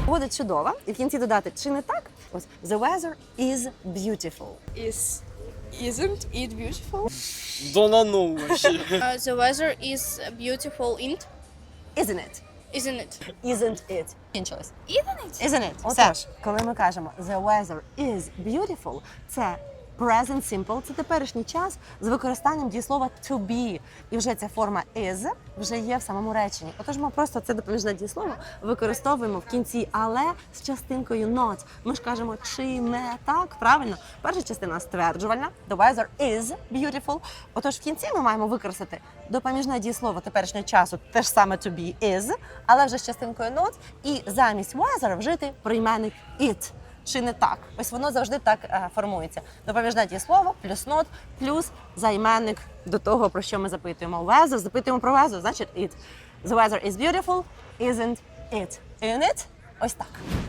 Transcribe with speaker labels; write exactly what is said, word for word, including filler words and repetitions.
Speaker 1: Буде чудова. І в кінці додати, чи не так? Ось, the weather is beautiful.
Speaker 2: Is isn't it beautiful?
Speaker 3: Да ну вообще.
Speaker 2: Uh, the weather is beautiful in
Speaker 1: Isn't it?
Speaker 2: isn't it?
Speaker 1: Isn't it? Кінчилось.
Speaker 2: Isn't it?
Speaker 1: Isn't it? Отож, коли ми кажемо the weather is beautiful, це present simple, це теперішній час з використанням дієслова to be. І вже ця форма is вже є в самому реченні. Отож ми просто це допоміжне дієслово використовуємо в кінці, але з частинкою not. Ми ж кажемо, чи не так, правильно? Перша частина стверджувальна, the weather is beautiful. Отож в кінці ми маємо використати допоміжне дієслово теперішнього часу, те ж саме to be is, але вже з частинкою not, і замість weather вжити прийменник it. Чи не так? Ось воно завжди так е, формується. Допоміжне дієслово, плюс not, плюс займенник до того, про що ми запитуємо. Weather, запитуємо про weather, значить it. The weather is beautiful, isn't it? Isn't it? Ось так.